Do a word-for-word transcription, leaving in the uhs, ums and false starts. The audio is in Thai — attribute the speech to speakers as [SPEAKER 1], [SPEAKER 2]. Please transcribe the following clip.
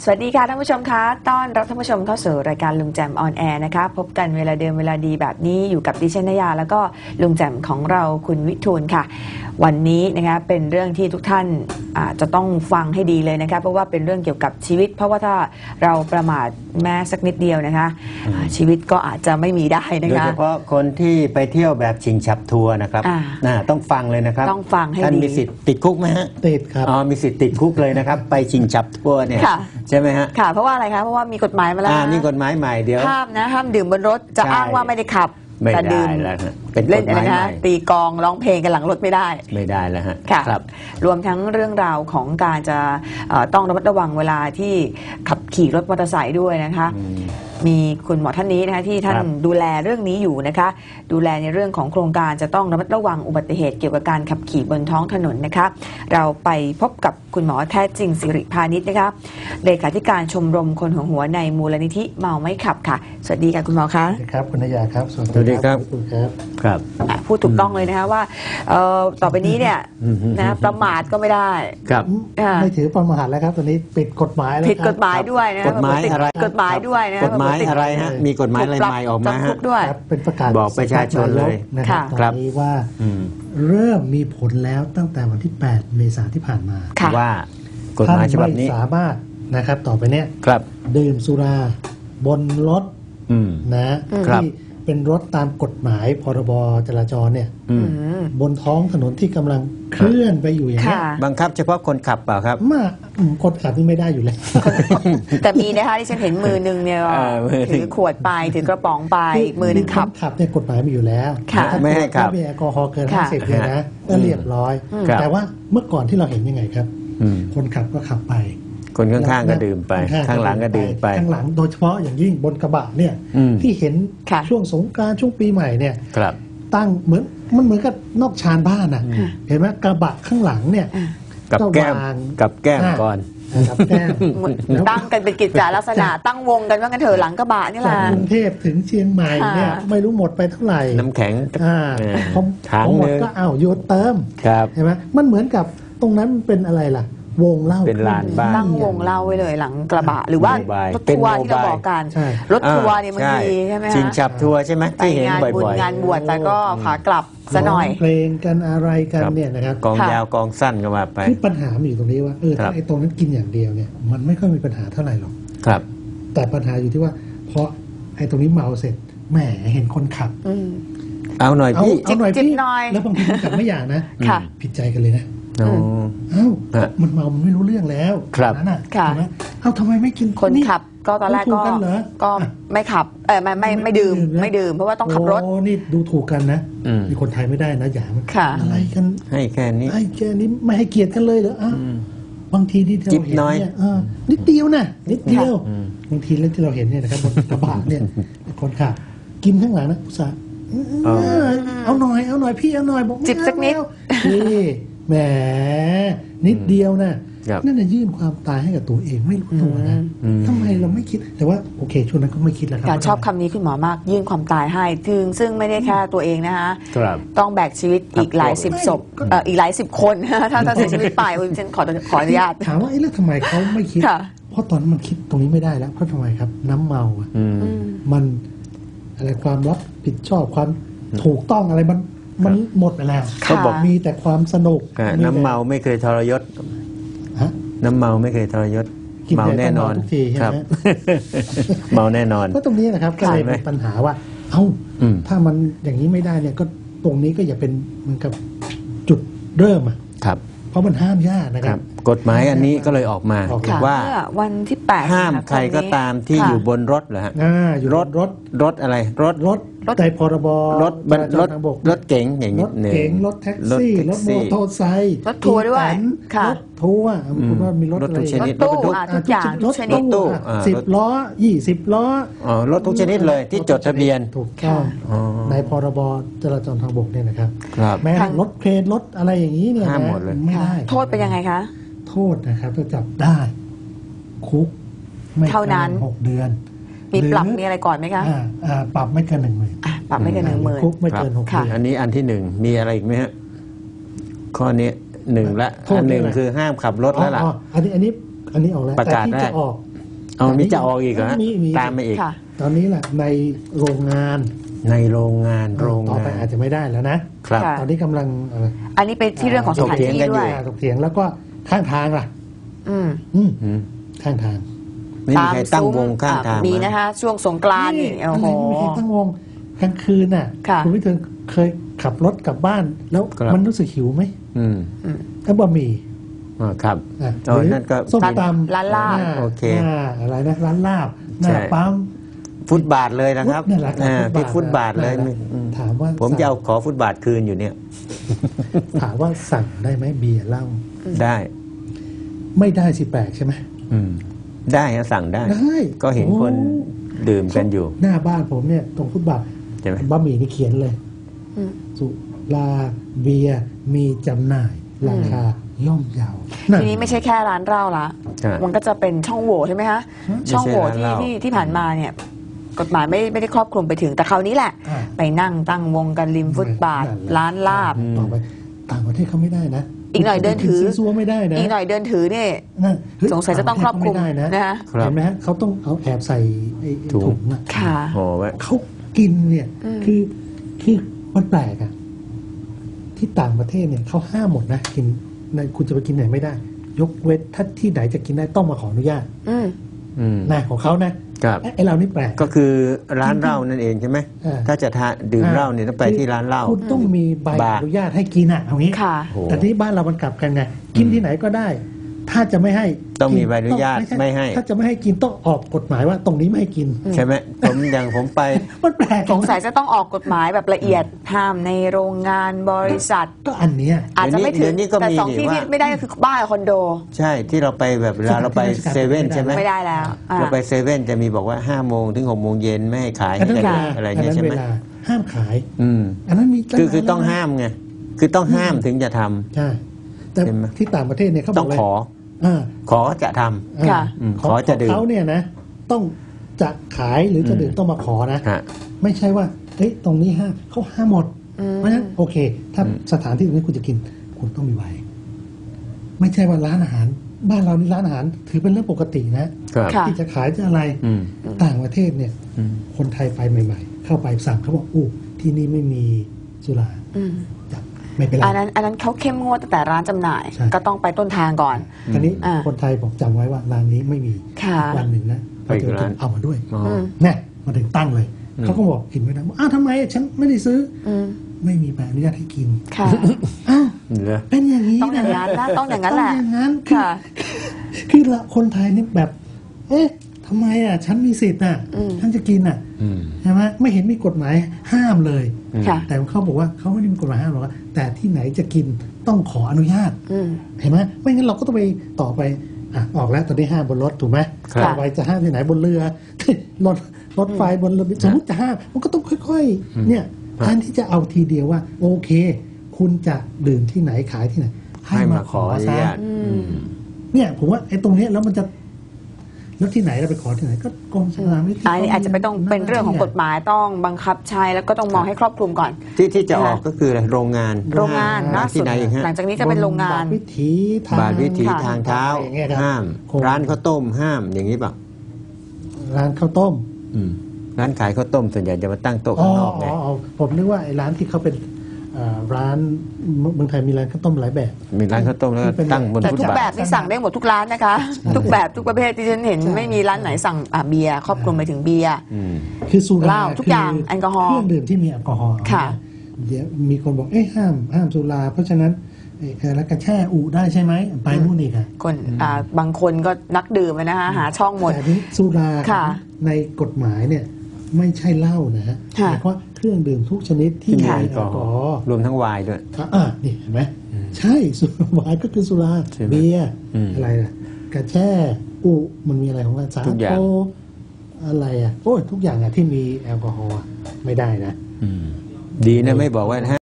[SPEAKER 1] สวัสดีค่ะท่านผู้ชมคะต้อนรับท่านผู้ชมเข้าสู่รายการลุงแจมออนแอร์นะคะพบกันเวลาเดิมเวลาดีแบบนี้อยู่กับดิฉันนยาแล้วก็ลุงแจมของเราคุณวิทูลค่ะวันนี้นะคะเป็นเรื่องที่ทุกท่านจะต้องฟังให้ดีเลยนะคะเพราะว่าเป็นเรื่องเกี่ยวกับชีวิตเพราะว่าถ้าเราประมาทแม้สักนิดเดียวนะคะชีวิตก็อาจจะไม่มีได้นะคะ
[SPEAKER 2] โดยเฉพาะคนที่ไปเที่ยวแบบชิงฉับทัวร์นะครับต้องฟังเลยนะครับ
[SPEAKER 1] ต้องฟังให้ดี
[SPEAKER 2] ท่านมีสิทธิ์ติดคุกไหมฮะ
[SPEAKER 3] ติดครับ
[SPEAKER 2] อ๋อมีสิทธิ์ติดคุกเลยนะครับไปชิงฉับทัวร์เนี่ยใช่ไหมฮะ
[SPEAKER 1] ค่ะเพราะว่าอะไรคะเพราะว่ามีกฎหมายมาแล้ว
[SPEAKER 2] มีกฎหมายใหม่เดี๋ยว
[SPEAKER 1] ห้ามนะห้ามดื่มบนรถจะอ้างว่าไม่ได้ขับ
[SPEAKER 2] แต่ดื่ม
[SPEAKER 1] เล่นอะไรนะตีกองร้องเพลงกันหลังรถไม่ได้
[SPEAKER 2] ไม่ได้แล้วฮะ
[SPEAKER 1] ค่ะรวมทั้งเรื่องราวของการจะต้องระมัดระวังเวลาที่ขับขี่รถมอเตอร์ไซค์ด้วยนะคะมีคุณหมอท่านนี้นะคะที่ท่านดูแลเรื่องนี้อยู่นะคะดูแลในเรื่องของโครงการจะต้องระมัดระวังอุบัติเหตุเกี่ยวกับการขับขี่บนท้องถนนนะคะเราไปพบกับคุณหมอแท้จริงสิริพานิชนะคะเลขาธิการชมรมคนหัวหัวในมูลนิธิเมาไม่ขับค่ะสวัสดีค่ะคุณหมอคะ
[SPEAKER 3] สวัสดีครับคุณนยาครับ
[SPEAKER 2] สวัสดีครับ
[SPEAKER 1] ครับพูดถูกต้องเลยนะคะว่าต่อไปนี้เนี่ยนะประมาทก็ไม่ได้
[SPEAKER 2] ครับ
[SPEAKER 3] ไม่ถือประมาทแล้วครับตอนนี้ปิดกฎหมายแล้ว
[SPEAKER 1] ผิดกฎหมายด้วยนะ
[SPEAKER 2] กฎหมายอะไร
[SPEAKER 1] กฎหมายด้วยนะ
[SPEAKER 2] กฎหมายอะไรฮะมีกฎหมายอะไรใหม่ออกมาฮะ
[SPEAKER 3] เป็นประกาศ
[SPEAKER 2] บอกประชาชนเลย
[SPEAKER 3] นะครับตอนนี้ว่าเริ่มมีผลแล้วตั้งแต่วันที่แปดเมษายนที่ผ่านมา
[SPEAKER 2] ว่ากฎหมายฉบับนี้
[SPEAKER 3] สามารถนะครับต่อไปเนี้ยดื่มสุราบนรถนะที่เป็นรถตามกฎหมายพรบจราจรเนี่ยบนท้องถนนที่กำลังเคลื่อนไปอยู่อย่างนี้
[SPEAKER 2] บังคับเฉพาะคนขับเปล่าครับ
[SPEAKER 3] มากคนขับนี่ไม่ได้อยู่แล้ว
[SPEAKER 1] แต่มีนะคะที่ฉันเห็นมือนึงเนี่ยถือขวดไปถือกระป๋องไปมือนึงขับ
[SPEAKER 3] ขับเนี่ยกฎหมายมีอยู่แล้ว
[SPEAKER 2] ไม่ให้ขับ
[SPEAKER 3] ไม่แอลกอฮอล์เกินห้าสิบเลยนะก็เรียบร้อยแต่ว่าเมื่อก่อนที่เราเห็นยังไงครับคนขับก็ขับไป
[SPEAKER 2] คนข้างๆก็ดื่มไปข้างหลังก็ดื่มไป
[SPEAKER 3] ข้างหลังโดยเฉพาะอย่างยิ่งบนกระบะเนี่ยที่เห็นช่วงสงกรานต์ช่วงปีใหม่เนี่ยตั้งเหมือนมันเหมือนกับนอกชานบ้านนะเห็นไหมกระบะข้างหลังเนี่ย
[SPEAKER 2] กับแก้มกับแก้มก่อน
[SPEAKER 3] กับแก้ม
[SPEAKER 1] ตั้งกันเป็นกิจจลักษณะตั้งวงกันว่ากันเถอะหลังกระบะนี่แหละ
[SPEAKER 3] กรุงเทพถึงเชียงใหม่เนี่ยไม่รู้หมดไปเท่าไหร่
[SPEAKER 2] น้ำแข็ง
[SPEAKER 3] พอหมดก็อ้าวโยนเติมเห็นไหมมันเหมือนกับตรงนั้นเป็นอะไรล่ะวงเล่า
[SPEAKER 2] เป็นลานบ้าน
[SPEAKER 1] ตั้งวงเล่าไว้เลยหลังกระบะหรือว่ารถทัวร์ที่เราบอกกันรถทัวร์เนี่ยบางทีใช่ไหม
[SPEAKER 2] ชิงฉับทัวร์ใช่ไหมที่เห็นบ่อย
[SPEAKER 1] ๆงานบวชแต่ก็ขากลับซะหน่อย
[SPEAKER 3] เพลงกันอะไรกันเนี่ยนะครับ
[SPEAKER 2] กองยาวกองสั้นก็มาไป
[SPEAKER 3] ที่ปัญหาอยู่ตรงนี้ว่าเออถ้าไอ้ตรงนั้นกินอย่างเดียวเนี่ยมันไม่ค่อยมีปัญหาเท่าไหร่หรอก
[SPEAKER 2] ครับ
[SPEAKER 3] แต่ปัญหาอยู่ที่ว่าเพราะไอ้ตรงนี้เมาเสร็จแหมเห็นคนขับ
[SPEAKER 2] เอาหน่อยพี่
[SPEAKER 3] เอาหน่อยพี่แล้วบางทีคนขับไม่อยากนะผิดใจกันเลยนะเอ้ามันเมามันไม่รู้เรื่องแล้ว
[SPEAKER 2] นั่นน่ะ
[SPEAKER 3] เอ้าทำไมไม่กิน
[SPEAKER 1] คนขับก็ตอนแรกก็ก็ไม่ขับเออไม่ไม่ไม่ดื่มไม่ดื่มเพราะว่าต้องขับรถ
[SPEAKER 3] โอ้นี่ดูถูกกันนะมีคนไทยไม่ได้นะอย่ามันอะไรกัน
[SPEAKER 2] ให้แค่นี้
[SPEAKER 3] ให้แค่นี้ไม่ให้เกียรติกันเลยเหรออ้าวบางทีที่เราเห็นเนี่ยนิดเดียวนะนิดเดียวบางทีแล้วที่เราเห็นเนี่ยนะครับบนกระบะเนี่ยคนขับกินข้างหลังนะผู้ชายเอาหน่อยเอาหน่อยพี่เอาหน่อยบอก
[SPEAKER 1] จิบสักนิด
[SPEAKER 3] นี่แหมนิดเดียวนะนั่นน่ะยื่นความตายให้กับตัวเองไม่รู้ตัวนะทำไมเราไม่คิดแต่ว่าโอเคช่วงนั้นก็ไม่คิดแล้วครับ
[SPEAKER 1] การชอบคำนี้คุณหมอมากยื่นความตายให้ถึงซึ่งไม่ได้แค่ตัวเองนะคะต้องแบกชีวิตอีกหลายสิบศพอีกหลายสิบคนถ้าถ้าเสียชีวิตไปฉันขอขออนุญาต
[SPEAKER 3] ถามว่าไอ้แล้วทำไมเขาไม่คิดเพราะตอนนั้นมันคิดตรงนี้ไม่ได้แล้วเพราะทำไมครับน้ำเมาอ่ะมันอะไรความรับผิดชอบความถูกต้องอะไรมันมันหมดไปแล้วเขาบอกมีแต่ความสนุก
[SPEAKER 2] น้ำเมาไม่เคยทรยศน้ำเมาไม่เคยทรยศเมาแน่นอนครับเมาแน่นอน
[SPEAKER 3] ก็ตรงนี้นะครับก็เลยเป็นปัญหาว่าเอ้าถ้ามันอย่างนี้ไม่ได้เนี่ยก็ตรงนี้ก็อย่าเป็นเหมือนกับจุดเริ่มอ่ะ
[SPEAKER 2] ครับ
[SPEAKER 3] เพราะมันห้ามยากนะครับ
[SPEAKER 2] กฎหมายอันนี้ก็เลยออกมาว่า
[SPEAKER 1] วันที่แปด
[SPEAKER 2] ห้ามใครก็ตามที่อยู่บนรถเหรอฮะรถรถรถอะไรรถ
[SPEAKER 3] รถในพรบ
[SPEAKER 2] รถรถรถเก๋งอย่างนี้
[SPEAKER 3] รถเก๋งรถแท็กซี่รถมอเตอร์ไซค์
[SPEAKER 1] รถทัวร์ด้วย
[SPEAKER 3] รถทัวร์คุณว่ามีรถอะไร
[SPEAKER 2] ทุกชนิด
[SPEAKER 1] รถตู้ทุกอย่าง
[SPEAKER 3] รถตู้สิบล้อยี่สิบล้อ
[SPEAKER 2] อ๋อรถทุกชนิดเลยที่จดทะเบียน
[SPEAKER 3] ถูกต้องในพรบจราจรทางบกเนี่ยนะครับแม้รถเครนรถอะไรอย่างนี้เนี่ย
[SPEAKER 2] ห้ามหมดเลย
[SPEAKER 3] ไม่ได้
[SPEAKER 1] โทษเป็นยังไงคะ
[SPEAKER 3] โทษนะครับจะจับได้คุกไม่
[SPEAKER 1] เท่านั้น
[SPEAKER 3] หกเดือน
[SPEAKER 1] มีปรับมีอะไรก่อนไหมคะ
[SPEAKER 3] ปรับไม่เกินหนึ่งหมื่น
[SPEAKER 1] ปรับไม่เกินหนึ่งหมื่น
[SPEAKER 3] คุกไม่เกินหกเดือน
[SPEAKER 2] อันนี้อันที่หนึ่งมีอะไรอีกไหมฮะข้อนี้หนึ่งละอันหนึ่งคือห้ามขับรถแล้วล่ะ
[SPEAKER 3] อันนี้อันนี้อันนี้ออกแล้วแต่ที่จะออก
[SPEAKER 2] เอามีจะออกอีกเหรอ
[SPEAKER 3] มีมี
[SPEAKER 2] ตามมาอีก
[SPEAKER 1] ค่ะ
[SPEAKER 3] ตอนนี้แหละในโรงงาน
[SPEAKER 2] ในโรงงานโรง
[SPEAKER 3] ต่อไป
[SPEAKER 2] งาน
[SPEAKER 3] อาจจะไม่ได้แล้วนะครับ
[SPEAKER 1] ค่ะ
[SPEAKER 3] ตอนนี้กำลังเอ่อ
[SPEAKER 1] อันนี้เป็นที่เรื่องของสถานที่ด้วย
[SPEAKER 3] ถกเถียงแล้วก็ข้างทางล่ะ
[SPEAKER 1] อืม
[SPEAKER 3] อืม
[SPEAKER 2] อืม
[SPEAKER 3] ข้างทาง
[SPEAKER 2] ไม่มีใครตั้งวงข้างทาง
[SPEAKER 1] มีนะคะ ช่วงสงกรานต์นี่โอ้โห
[SPEAKER 3] อะไรไม่มีใครตั้งวงกลางคืนน่ะ
[SPEAKER 1] ค่ะ
[SPEAKER 3] ณวิเทิร์นเคยขับรถกลับบ้าน แล้ว
[SPEAKER 2] ครับ
[SPEAKER 3] มันรู้สึกหิวไหม
[SPEAKER 2] อืม
[SPEAKER 3] ก็บะหมี่
[SPEAKER 2] อ่าครับ
[SPEAKER 3] อ่ะ
[SPEAKER 2] อ๋อ
[SPEAKER 3] หรือ
[SPEAKER 2] นั่นก็
[SPEAKER 3] ส้มตำ
[SPEAKER 1] ร้านลาบ
[SPEAKER 3] ห
[SPEAKER 2] โอเค
[SPEAKER 3] หน้าอะไรนะร้านลาบหน้า
[SPEAKER 2] ใช่
[SPEAKER 3] ปั๊ม
[SPEAKER 2] ฟุตบาทเลยนะครับ
[SPEAKER 3] นั่นแหละ
[SPEAKER 2] อ่าที่ฟุตบาทเลย
[SPEAKER 3] นั่นแหะ
[SPEAKER 2] อืม
[SPEAKER 3] ถามว่า
[SPEAKER 2] ผมจะเอาขอฟุตบาทคืนอยู่เนี่ย
[SPEAKER 3] ถามว่าสั่งได้ไหมเบียร์เหล้า
[SPEAKER 2] ได้
[SPEAKER 3] ไม่ได้สิแปลกใช่ไหม
[SPEAKER 2] อืมได้ฮะสั่งได้
[SPEAKER 3] ได้
[SPEAKER 2] ก็เห็น
[SPEAKER 3] โอ้
[SPEAKER 2] คนดื่มกันอยู่
[SPEAKER 3] หน้าบ้านผมเนี่ยตรงฟุตบาท
[SPEAKER 2] ใช่ไหม
[SPEAKER 3] บะหมี่นี่เขียนเลย
[SPEAKER 1] อืม
[SPEAKER 3] สุราเบียร์มีจำหน่ายราคาย่อมเยา
[SPEAKER 1] ทีนี้ไม่ใช่แค่ร้านเหล้าละ
[SPEAKER 2] ใช่
[SPEAKER 1] มันก็จะเป็นช่องโหว่ใช่ไหมคะ ช่องโหว่
[SPEAKER 2] ไม่ใช่ร้าน
[SPEAKER 1] ที่
[SPEAKER 2] เหล้า
[SPEAKER 1] ที่ที่ผ่านมาเนี่ย กฎหมายไม่ไม่ได้ครอบคลุมไปถึง แต่คราวนี้แหละ
[SPEAKER 3] อ่า
[SPEAKER 1] ไปนั่งตั้งวงกันริมฟุตบาท
[SPEAKER 3] นั่นแหละ
[SPEAKER 1] ร้านลาบ
[SPEAKER 3] ต่อไปต่างประเทศเขาไม่ได้นะ
[SPEAKER 1] อีกหน่อยเดินถือ
[SPEAKER 3] ซีซัวไม่ได้นะ
[SPEAKER 1] อีกหน่อยเดินถือเนี่ย
[SPEAKER 3] นั่นเฮ้
[SPEAKER 1] สงสัยจะต้องครอบคลุม
[SPEAKER 3] ต่างประเทศเขาไม่ได้นะ
[SPEAKER 1] นะคะ
[SPEAKER 2] ครับ
[SPEAKER 3] เห็นไหมฮะเขาต้องเอาแอบใส่ไอ้
[SPEAKER 2] ถุง
[SPEAKER 3] ถุงอะ
[SPEAKER 1] ค่ะ
[SPEAKER 2] โอ้ไว้
[SPEAKER 3] เขากินเนี่ย
[SPEAKER 1] อืม
[SPEAKER 3] คือคือมันแปลกอะที่ต่างประเทศเนี่ยเขาห้ามหมดนะกินในคุณจะไปกินไหนไม่ได้ ยกเว้นถ้าที่ไหนจะกินได้ต้องมาขออนุญาต
[SPEAKER 1] อืม
[SPEAKER 2] อืม
[SPEAKER 3] นะของเขานะครับ ไอ้ไอ้เรานี่แปลก
[SPEAKER 2] ก็คือร้านเหล้านั่นเองใช่ไหม
[SPEAKER 3] อ่า
[SPEAKER 2] ถ้าจะทานดื่มเหล้าเนี่ยต้องไปที่ร้านเหล้า
[SPEAKER 3] คุณต้องมีใบบ
[SPEAKER 2] าร์
[SPEAKER 3] อนุญาตให้กินอ่ะเอางี้
[SPEAKER 1] ค่ะ
[SPEAKER 2] โอ้
[SPEAKER 3] แต่ที่บ้านเรามันกลับกันไงกินที่ไหนก็ได้ ถ้าจะไม่ให้
[SPEAKER 2] ต้องมี
[SPEAKER 3] กิ
[SPEAKER 2] ใบอนุญาต
[SPEAKER 3] ช่
[SPEAKER 2] ไม่ให้
[SPEAKER 3] ถ้าจะไม่ให้กินต้องออกกฎหมายว่าตรงนี้ไม่ให้กิน
[SPEAKER 2] ใช่ไหมผมอย่างผมไป
[SPEAKER 3] มันแปลก
[SPEAKER 1] สงสัยจะต้องออกกฎหมายแบบละเอียดห้ามในโรงงานบริษัท
[SPEAKER 3] ก็อันเนี้ย
[SPEAKER 1] อาจจะไม่ถึ
[SPEAKER 2] เดี๋
[SPEAKER 1] ง
[SPEAKER 2] ยวนี้ก็
[SPEAKER 1] แต่
[SPEAKER 2] มี
[SPEAKER 1] สองที่
[SPEAKER 2] นี่
[SPEAKER 1] ที่
[SPEAKER 2] ว่า
[SPEAKER 1] ไม่ได้ก็คือบ้านกับคอนโด
[SPEAKER 2] ใช่ที่เราไปแบบเวลาเราไปเซเว่นใช่ไหม
[SPEAKER 1] ไม่ได้แล้วอ่า
[SPEAKER 2] เราไปเซเว่นจะมีบอกว่าห้าโมงถึงหกโมงเย็นไม่ให้ขาย
[SPEAKER 3] อันนั้น
[SPEAKER 2] ให้
[SPEAKER 3] เว
[SPEAKER 2] กัน
[SPEAKER 3] ลา
[SPEAKER 2] อะไร
[SPEAKER 3] อัน
[SPEAKER 2] เงี้ย
[SPEAKER 3] นั้น
[SPEAKER 2] ใช่ไห
[SPEAKER 3] เว
[SPEAKER 2] ม
[SPEAKER 3] ลาห้ามขาย
[SPEAKER 2] อืม
[SPEAKER 3] อันนั้นมี
[SPEAKER 2] คือคือต้อง
[SPEAKER 3] แล้วนะ
[SPEAKER 2] ห้ามไงคือต้องห้ามถึงจะทำ
[SPEAKER 3] ใช่แต่
[SPEAKER 2] เห็นไหม
[SPEAKER 3] ที่ต่างประเทศเนี่ยเขาบ
[SPEAKER 2] ต้
[SPEAKER 3] อ
[SPEAKER 2] อก ง
[SPEAKER 3] เลย
[SPEAKER 2] ขอ
[SPEAKER 3] อ่า
[SPEAKER 2] ขอจะทำ
[SPEAKER 3] อ่า
[SPEAKER 1] ค่ะ
[SPEAKER 2] อืม
[SPEAKER 3] ของ
[SPEAKER 2] ขอจะดื่ม
[SPEAKER 3] เขาเนี่ยนะ ต้องจะขายหรือจะดื่มต้องมาขอนะ
[SPEAKER 2] ฮะ
[SPEAKER 3] ไม่ใช่ว่าเฮ้ยตรงนี้ห้ามเขาห้ามหมด
[SPEAKER 1] อืม
[SPEAKER 3] เพราะฉะนั้นโอเค ถ้า
[SPEAKER 2] อืม
[SPEAKER 3] สถานที่ตรงนี้คุณจะกิน คุณต้องมีใบไม่ใช่ว่าร้านอาหาร บ้านเรานี่ร้านอาหาร ถือเป็นเรื่องปกตินะครับ
[SPEAKER 1] ค่ะ
[SPEAKER 3] ที่จะขายจะอะไร
[SPEAKER 2] อืม
[SPEAKER 3] ต่างประเทศเนี่ย
[SPEAKER 2] อืม
[SPEAKER 3] คนไทยไปใหม่ ๆ เข้าไปสั่งเขาบอกอู้ที่นี่ไม่มีสุรา
[SPEAKER 1] อืม
[SPEAKER 3] จับไม่เป็นไร
[SPEAKER 1] อันนั้นอันนั้นเขาเข้มงวดตั้งแต่ร้านจำหน่าย
[SPEAKER 3] ใช่
[SPEAKER 1] ก็ต้องไปต้นทางก่อน
[SPEAKER 3] ทีนี้
[SPEAKER 1] อ่า
[SPEAKER 3] คนไทยบอกจำไว้ว่าร้านนี้ไม่มี
[SPEAKER 1] ค่ะ
[SPEAKER 3] วันหนึ่งนะ
[SPEAKER 2] ไปอีกร้าน
[SPEAKER 3] เอามาด้วย
[SPEAKER 2] อ๋อ
[SPEAKER 1] อืม
[SPEAKER 3] แน่มาถึงตั้งเลย
[SPEAKER 2] อืม
[SPEAKER 3] เขาก็บอกกินไม่ได้บอกอ้าวทำไมฉันไม่ได้ซื้อ
[SPEAKER 1] อืม
[SPEAKER 3] ไม่มีใบอนุญาตให้กิน
[SPEAKER 1] ค่ะ
[SPEAKER 3] อ้าว
[SPEAKER 2] เหรอ
[SPEAKER 3] เป็นอย่างนี้
[SPEAKER 1] ต้องอย่างนั้นนะต้องอย่างนั้นแหละ
[SPEAKER 3] ต้องอย่างนั้นคือ
[SPEAKER 1] ค่ะ
[SPEAKER 3] คือละคนไทยนี่แบบ เอ๊ะทำไมอ่ะ ฉันมีสิทธิ์อ่ะ
[SPEAKER 1] อืม
[SPEAKER 3] ฉันจะกินอ่ะ
[SPEAKER 2] อืม
[SPEAKER 3] ใช่ไหมไม่เห็นมีกฎหมายห้ามเลย
[SPEAKER 2] อืม
[SPEAKER 1] ค่ะ
[SPEAKER 3] แต่เขาบอกว่าเขาไม่ได้มีกฎหมายห้ามหรอกว่าแต่ที่ไหนจะกินต้องขออนุญาต
[SPEAKER 1] อืม
[SPEAKER 3] เห็นไหมไม่งั้นเราก็ต้องไปต่อไปอ่ะออกแล้วตอนนี้ห้ามบนรถถูกไหม
[SPEAKER 2] ครับ
[SPEAKER 3] ต่อไปจะห้ามที่ไหนบนเรือ รถรถไฟบนเรือสมมติจะห้ามมันก็ต้องค่อย
[SPEAKER 2] อืม
[SPEAKER 3] ๆ เนี่ย
[SPEAKER 2] ครับ
[SPEAKER 3] แทนที่จะเอาทีเดียวว่า โอเค คุณจะดื่มที่ไหนขายที่ไหน ให้มาขอ
[SPEAKER 2] อนุ
[SPEAKER 3] ซะ
[SPEAKER 2] ญาต
[SPEAKER 1] อืม
[SPEAKER 2] อืม
[SPEAKER 3] เนี่ยผมว่าไอ้ตรงเนี้ยแล้วมันจะแล้วที่ไหนเราไปขอที่ไหนก็กรมสนามวิทย์
[SPEAKER 1] อันนี้อาจจะไม่ต้องเป็นเรื่องของกฎหมายต้องบังคับใช้แล้วก็ต้องมองให้ครอบคลุมก่อน
[SPEAKER 2] ที่ที่จะออกก็คืออะไรโรงงาน
[SPEAKER 1] โรงงาน
[SPEAKER 2] ห้
[SPEAKER 1] ล่า
[SPEAKER 2] ที่
[SPEAKER 1] สุด
[SPEAKER 2] ไหนอีกฮะ
[SPEAKER 1] หลังจากนี้จะเป็นโรงงาน
[SPEAKER 3] บทวิถีทาง
[SPEAKER 2] บาทวิถี
[SPEAKER 1] ค่ะ
[SPEAKER 2] ทางเท้า
[SPEAKER 3] อย่างเงี้ยครับ
[SPEAKER 2] ห้าม
[SPEAKER 3] คง
[SPEAKER 2] ร้านข้าวต้มห้ามอย่างนี้เปล่า
[SPEAKER 3] ร้านข้าวต้ม
[SPEAKER 2] อืมร้านขายข้าวต้มส่วนใหญ่จะมาตั้งโต๊ะ
[SPEAKER 3] อ๋อ
[SPEAKER 2] ข้างนอกไง
[SPEAKER 3] อ๋อผมนึกว่าไอ้ร้านที่เขาเป็นเอ่อร้านเมืองไทยมีร้านข้าวต้มหลายแบบ
[SPEAKER 2] มีร้านข้าวต้มแล้วก็
[SPEAKER 3] ที่เป็น
[SPEAKER 2] ตั้งบน
[SPEAKER 1] แต่
[SPEAKER 2] ฟุต
[SPEAKER 1] ทุก
[SPEAKER 2] บา
[SPEAKER 1] แบ
[SPEAKER 2] ท
[SPEAKER 1] บนี่สั่งได้หมดทุกร้านนะคะ ทุกแบบทุกประเภทที่ฉันเห็น
[SPEAKER 3] ใช่
[SPEAKER 1] ไม่มีร้านไหนสั่งอ่ะเบียร์ครอบคลุมไปถึงเบียร์
[SPEAKER 2] อืม
[SPEAKER 3] คือสุ
[SPEAKER 1] เห
[SPEAKER 3] รา
[SPEAKER 1] ล้าทุกอย่าง
[SPEAKER 3] คื
[SPEAKER 1] แอลกอฮอล์
[SPEAKER 3] เครื่องดื่มที่มีแอลกอฮอล์
[SPEAKER 1] ค่ะ
[SPEAKER 3] เดี๋ยวมีคนบอกเอ้ยห้ามห้ามสุราเพราะฉะนั้นเอ่อเอ่อแล้วก็แช่อุได้ใช่ไหมไปนู่นอีกอะ
[SPEAKER 1] คนอ่าบางคนก็นักดื่มอะนะคะหาช่องหมด
[SPEAKER 3] แต่นี้สุรา
[SPEAKER 1] ค่ะ
[SPEAKER 3] ในกฎหมายเนี่ยไม่ใช่เหล้านะฮะ
[SPEAKER 1] ค่ะ
[SPEAKER 3] หมายความว่าเครื่องดื่มทุกชนิดที่
[SPEAKER 2] ที่
[SPEAKER 3] มี
[SPEAKER 2] มี
[SPEAKER 3] แอ
[SPEAKER 2] แอ
[SPEAKER 3] ล
[SPEAKER 2] ล
[SPEAKER 3] ก
[SPEAKER 2] ก
[SPEAKER 3] อ
[SPEAKER 2] อ
[SPEAKER 3] ฮ
[SPEAKER 2] ฮ
[SPEAKER 3] อ
[SPEAKER 2] อ
[SPEAKER 3] ล์
[SPEAKER 2] ล์รวมทั้งไวน์ด้วย
[SPEAKER 3] อ่ะอ่ะนี่เห็นไหมใช่สุราวายก็คือสุรา
[SPEAKER 2] ใช่ไหม
[SPEAKER 3] เบียร์
[SPEAKER 2] อืม
[SPEAKER 3] อะไรนะกระแช่อุมันมีอะไรของมันสา
[SPEAKER 2] ทุกอย่า
[SPEAKER 3] โท
[SPEAKER 2] ง
[SPEAKER 3] อะไรอ่ะโอ้ยทุกอย่างอ่ะที่มีแอลกอฮอล์อะไม่ได้นะ
[SPEAKER 2] อืมดีนะไม่บอกว่า